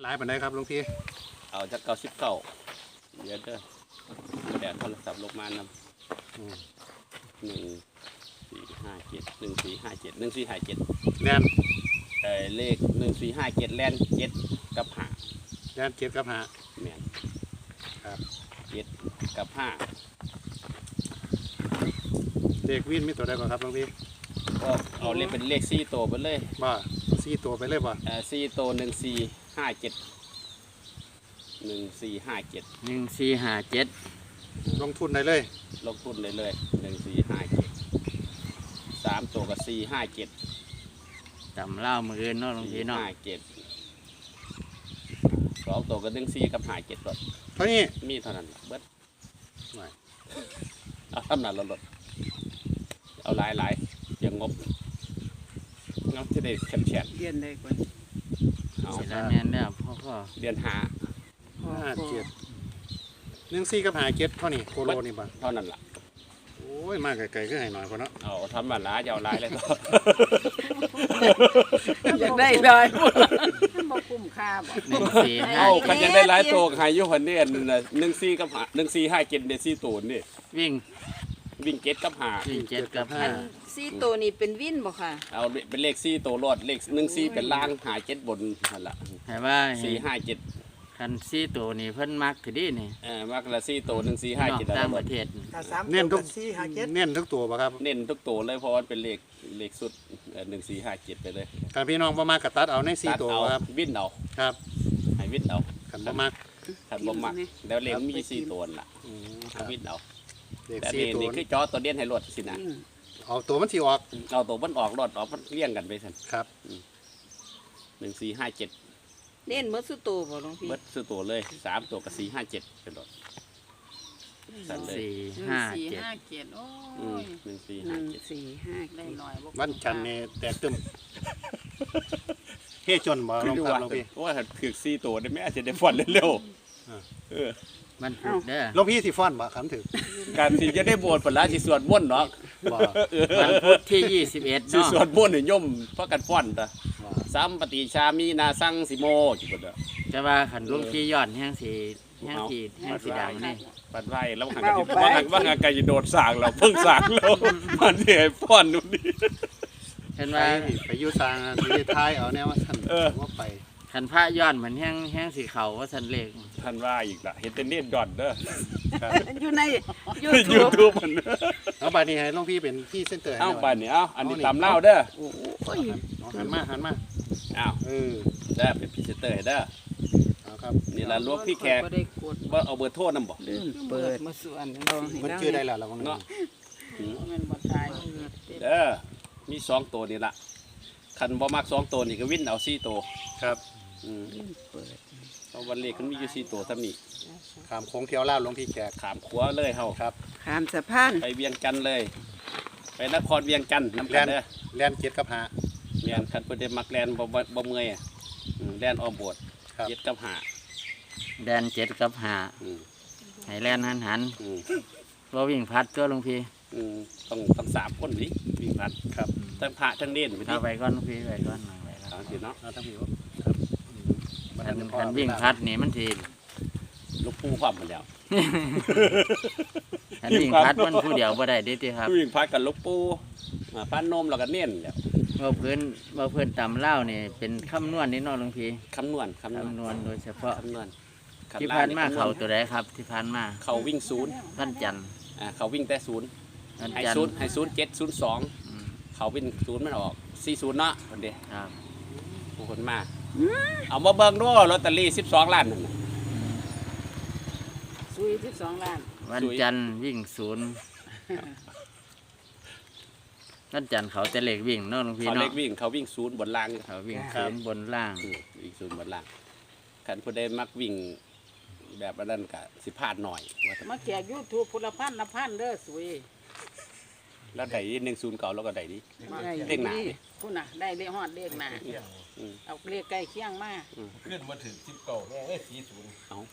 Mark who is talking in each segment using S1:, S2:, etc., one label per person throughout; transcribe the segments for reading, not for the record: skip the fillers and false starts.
S1: ลายปานใดครับหลวงพี่
S2: เอาจาก99เดี๋ยวเด้อแต่โทรศัพท์ลงมานำ1457
S1: แล่น
S2: เลข1457แล่น7กับ5
S1: แล่น7กับ5
S2: แม่น
S1: ครับ
S2: 7กับ5
S1: เลขวินมีตัวใดบ่ครับหลวงพี่
S2: ก็เอาเลขเป็นเลข4ตัวไปเลย
S1: บ่4ตัวไปเลยบ่
S2: 4ตัว1457
S1: ลงทุนได้เลย
S2: ลงทุนเลย1457 3ตัวกับ457
S3: จำเล่ามืออื่นเนาะหลวงพี่เนาะ
S2: 2ตัวกับ14กับ57รถ
S1: เท่านี้
S2: มีเท่านั้นเบิด
S1: ไม่
S2: เอาทำนั้นรถเอาหลายอย่างงบงั้นจะได้แฉะ
S4: เรียนได้ก่อน
S2: เอา
S3: เสร็จแล้วแน่นแล้วพ่อ
S2: เดือน5
S1: 14กับ57เท่านี้โคโลนี่บ่
S2: เท่านั้นล่ะ
S1: โอ้ยมาไกลๆคือให้หน่อยพอเนาะ
S2: เอาทำแบบล้าจะเอาลายเลยก็
S4: อยากได้เลยมันบ่คุ้มค่าบ่
S3: 145
S2: เอากันยังได้หลายตัวหายยุหันนี่14กับ1457เนี่ย4ตัวนี่
S3: วิ่ง
S2: เก็ตกับ
S3: วิ่ง7กับ
S4: 4ตัวนี้เป็นวินบ่ค่ะ
S2: เอาเป็นเลข4ตัวรอดเลข14เป็นล่าง57บนนั่นล่ะ
S3: 5ให้ว่า
S2: 457
S3: คัน4ตัวนี่เพิ่นมักคือดีนี่
S2: มักละ4ตัว1457
S3: ต่างประเทศ
S1: เน้นทุกเน้นทุกตัวบ่ครับ
S2: เน้นทุกตัวเลยเพราะว่าเป็นเลขสุด1457ไปเลย
S1: ถ้าพี่น้องบ่มากก็ตัดเอาใน4ตัวครับ
S2: วินเอา
S1: ครับ
S2: ให้วินเอา
S1: คันบ่มาก
S2: แล้วเลขมี4ตัวล่ะวินเอาแต่นี่คือจอตัวเด่นให้รถสินะ
S1: เอาตัวมันสิออก
S2: เอาตัวมันออกรถออกมันเลี้ยงกันไปซั่น
S1: ครับ
S2: 1457
S4: เล่นเมื่อสุดตัวบ่หลวงพี่
S2: เบิดซื้อตัวเลย3ตัวกับ457เป็นรถสั่นเลย
S3: 457
S4: โอ้ย
S2: 1457
S4: ได้หน่อยบ่
S1: วันจันทร์นี่แตกตึมเฮ้จนบ่ลงครับหลวงพี่
S2: ว่าถือ4ตัวได้แม่จะได้ฟ้อนเร็ว
S3: มันพุธเด้อ
S1: หลวงพี่สิฟ้อนบ่คำถึง
S2: การที่จะได้บวชปลาสิสวดมนต์เนาะ
S3: วันพุธที่21
S2: สิ
S3: เนาะ
S2: สวดมนต์นี่ย่อมพากันฟ้อนตะสัมปติชามีนาสังสิโมจิบ่ด
S3: แต่ว่าคันหลวงพี่ย้อนแห่งสิดังนี่
S2: ปัดไว้แล้วหันกันว่าไกสิโดดสร้างเราเพิ่งสร้างเรามันสิให้ฟ้อนนู่นนี่
S3: เห็นว่า
S1: ไปอยู่สร้างสิท้ายเอาแนวว่าท่านว่าไป
S3: คันพระย้อนเหมือนแห้งสีเขาว่าสันเลข
S2: ท่านว่าอีกละเห็นแต่เน็ตดอทเด้อ
S4: อยู่ใน
S2: YouTube มัน
S1: เอาบัดนี้ให้หลวงพี่เป็นพี่เซ็นเตอร์
S2: เอาบัดนี้เอาอันนี้ตามเล่าเด้อ
S1: โอ้ยหันมา
S2: อ้าวเด้อเป็นพรีเซนเตอร์เด้อ
S1: เอาครับ
S2: นี่ล่ะหลวงพี่แขกบ่เอาเบอร์โทรนำบ่
S4: เปิดมาส่วน
S1: มันชื่อได้แล้วเนาะ
S4: มันบ่ตาย
S2: เด้อมี2ตัวนี่ล่ะคันบ่มัก2ตัวนี่ก็วินเอา4ตัว
S1: ครับ
S2: เพราะวันเลขมันมีอยู่4ตัวเท่านี้
S1: ขามโค้งเที่ยวลาวหลวงพี่แขก
S2: ขามขัวเลยเฮา
S1: ครับ
S4: ขามสะพาน
S2: ไปเวียงจันทน์เลยไปนครเวียงจันทน์นำกันเด้อ
S1: แล่น7กับ5
S2: แม่นคันเพิ่นได้มักแล่นบ่เมื่อยแล่นอ้อมโบสถ์7กับ5
S3: แดน7กับ5ให้แล่นหันบ่วิ่งพัดตัวหลวงพี่
S2: ต้อง3คนนี่วิ่งพัด
S1: ครับ
S2: ทั้งพระทั้งเน้น
S3: เอาไปก่อนหลวงพี่ไปก่อน
S2: เอาสิเนาะ
S1: เอาทั้งพี่
S3: คันวิ่งพัดนี่มันสิ
S2: ลูกปูความมาแล้ว
S3: คันวิ่งพัดมันผู้เดียวบ่ได้เด้ติครับ
S2: วิ่งพัดกับลูกปูพันนมแล้วก็เน้นแล้ว
S3: บ่เพิ่นตำเล่านี่เป็นคำนวณนี่เนาะหลวงพี่
S2: คำนวณ
S3: โดยเฉพาะ
S2: คำนวณ
S3: ที่ผ่านมาเขาตัวใดครับที่ผ่านมา
S2: เขาวิ่ง0
S3: วันจันทร์
S2: เขาวิ่งแต่0ให้0702เขาวิ่ง0มันออก40เนาะคนเดียว
S3: ครับ
S2: ผู้คนมาเอามาเบิ่งดูลอตเตอรี่12ล้านนั่น
S4: ซุย12ล้าน
S3: วันจันทร์วิ่ง0วันจันทร์เขาแต่เลขวิ่งเนาะหลวงพี่เนาะ
S2: เขาเลขวิ่งเขาวิ่ง0บนล่าง
S3: เขาวิ่ง0บนล่าง
S2: วิ่ง0บนล่างคันผู้ใดมักวิ่งแบบนั้นก็สิพลาดหน่อย
S4: มาแจก YouTube พุทธพันธ์ละพันเด้อสวย
S2: แล้วได้10เก่าแล้วก็ได้ดิเลขหน้า
S4: พุ่นน่ะได้เลขฮอดเลขหน้าเอาเลขใกล้เคียงมา
S5: ขึ้นมาถึง10เก่าแม่เอ้ย40
S2: เอา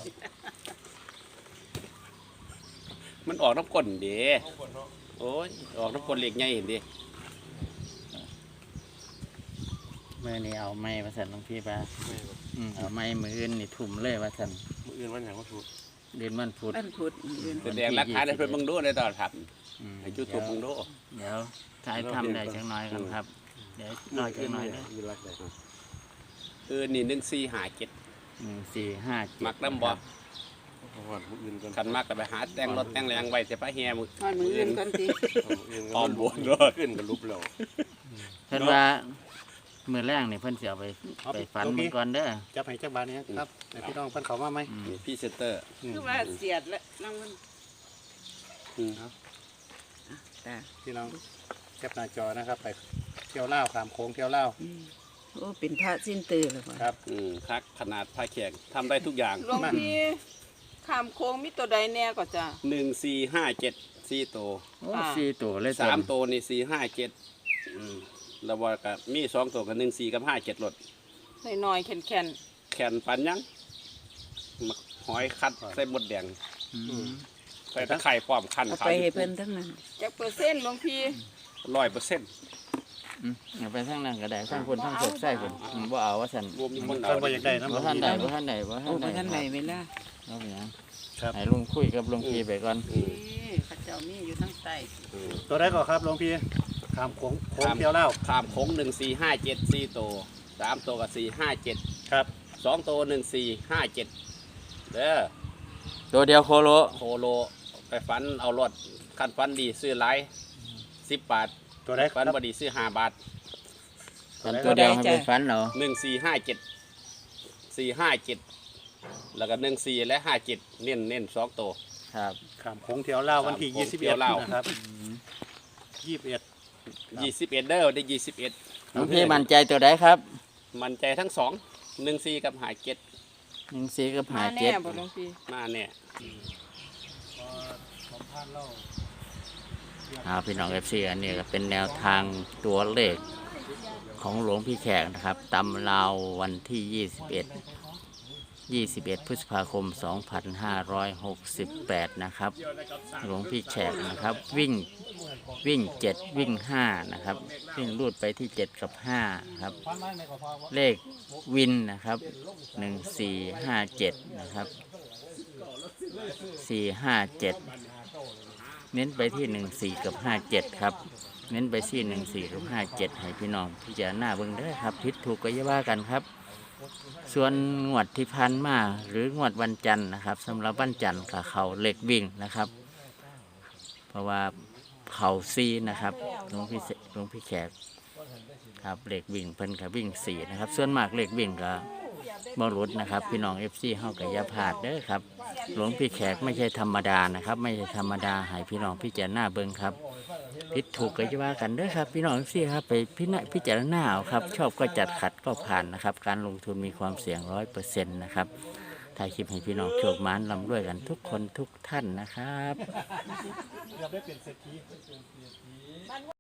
S2: มันออกน้ำก้นเด้โอ้ยออกน้ำก้นเลขใหญ่เห็นดิ
S3: เมื่อนี้เอาไม้ว่าสันหลวงพี่ป่ะเอาไม้มืออื่นนี่ทุ่มเลยว่าสัน
S5: มื้ออื่นวันหยังก็ถูก
S3: เดือนวันพุธ
S4: อันพุดอื่น
S2: แสดงหลักฐานให้เพิ่นเบิ่งดูในตอนครับ
S3: อืม
S2: ให้ยูทูบเบิ่งดู
S3: เดี๋ยวถ่ายทำได้จังน้อยกันครับ เดี๋ยวรอจังน้อยเด้อ
S1: มีรักได้ครับ
S2: คือนี่1457
S3: 1457
S2: มักนำบ่
S5: เพราะว่ามื้ออื่นก่อน
S2: คันมักก็ไปหาแต่งรถแต่งแรงไว้แต่พระแห่มื้อ
S4: ฮอดมืออื่นก่อนสิ
S5: มื้ออื่น
S2: อ้อมบนรถ
S5: ขึ้นก็ลุบแล้ว
S3: เพิ่นว่ามื้อแรกนี่เพิ่นสิเอาไปฝันมันก่อนเด้อ
S1: จับให้จักบาทนี้ครับให้พี่น้องเพิ่นเข้ามาไหม
S2: นี่พรีเซนเตอร์
S4: คือว่าเสียดแล้วรางวัล
S2: อืม
S4: ตา
S1: พี่น้องแคปหน้าจอนะครับ ไปเที่ยวเล่าวขามโค้งเที่ยวเล่าว
S4: โอ้เป็นพระสิ้นตื่นแล้วว่ะ
S1: ครับ
S2: คักขนาดพระแขกทำได้ทุกอย่าง
S4: หลวงพี่ข้ามโค้งมีตัวใดแน่ก็จ้ะ
S2: 1457 4ตัว
S3: โอ้4ตัวเลย
S2: 3ตัวนี่457แล้วว่าก็มี2ตัวก็14กับ57รถ
S4: น้อยๆแข็ง
S2: แขนปันยังมักหอยคัดใส่บดแดง
S3: อืม
S2: ใส่ตะไคร่พร้อมคั้น
S4: ๆเอา
S2: ขาย
S4: ไปให้เพิ่นทั้งนั้นจักเปอร์เซ็นต์หลวงพี่
S2: 100%
S3: เอาไปทางนั้นก็ได้ทางคนทางโศกใส่คนบ่เอาว่าซั่น
S2: รวมมีคน
S1: เพิ่นบ่อยากได้นะ
S3: บ่ทันได้บ่ทันได้บ่
S4: โอ้
S3: ทัน
S4: บ่ทันไหน
S3: ได้
S4: เวลา
S3: เอาไปหยัง
S1: ครับ
S3: ให้ลุงคุยกับลุงพีไปก่อน
S4: นี่เขาเจ้ามีอยู่ทั้งใต้
S1: ตัวได้ก่อนครับหลวงพี่ขามโค้งเที่ยวเล่าว
S2: ข้ามโค้ง1457 4ตัว3ตัวก็457
S1: ครับ
S2: 2ตัว1457เด้อ
S3: ตัวเดียวโคโล
S2: โคโลไปฟันเอารถคันฟันดีซื้อหลาย10 บาท
S1: ตัวได้ค
S2: ฟั
S1: รั
S2: น
S1: บ
S2: บ่ดีซื้อ5 บาท
S3: กันตัวเดียวให้ไปฝันเอา
S2: 1457 457แล้วก็14และ57เน้น2ตัว
S3: ครับ
S1: ขามโค้งเที่ยวเล่าววันที่
S2: ขามโค้งเที่ยว
S1: 21
S2: ลาว
S1: นะครับ21
S2: 21เด้อได้21
S3: ลุงพี่มั่นใจตัวใดครับ
S2: มันใจทั้ง2 14กับ57
S3: 14กับ
S4: มาแน่บ่
S3: 57
S4: หลวงพี่
S2: มาเนี่ย
S3: พี่น้อง FC อันนี้ก็เป็นแนวทางตัวเลขของหลวงพี่แขกนะครับตำราววันที่ 21 พฤษภาคม 2568 นะครับ หลวงพี่แขกนะครับวิ่ง 7 วิ่ง 5 นะครับ วิ่งรูดไปที่ 7 กับ 5 ครับ เลขวินนะครับ 1457 นะครับ 457 เน้นไปที่ 14 กับ 57 ครับ เน้นไปที่ 14 กับ 57 ให้พี่น้องพิจารณาเบิ่งเด้อครับผิดถูกก็อย่าว่ากันครับ ส่วนงวดที่พันมาหรืองวดวันจันทร์นะครับสำหรับวันจันทร์กับเขาเหล็กวิ่งนะครับ เพราะว่าเขาซีนะครับหลวงพี่แขกครับเหล็กวิ่งเพิ่นกับวิ่ง4นะครับส่วนมากเหล็กวิ่งกับบอรุษนะครับพี่น้อง FC เฮากับยาพลาดเด้อครับหลวงพี่แขกไม่ใช่ธรรมดานะครับไม่ใช่ธรรมดาให้พี่น้องพิจารณาเบิ่งครับผิดถูกก็จะว่ากันเด้อครับพี่น้อง FC ครับไปพิจารณาเอาครับชอบก็จัดขัดก็ผ่านนะครับการลงทุนมีความเสี่ยง 100% นะครับถ่ายคลิปให้พี่น้องโชคหมานร่ำรวยกันทุกคนทุกท่านนะครับ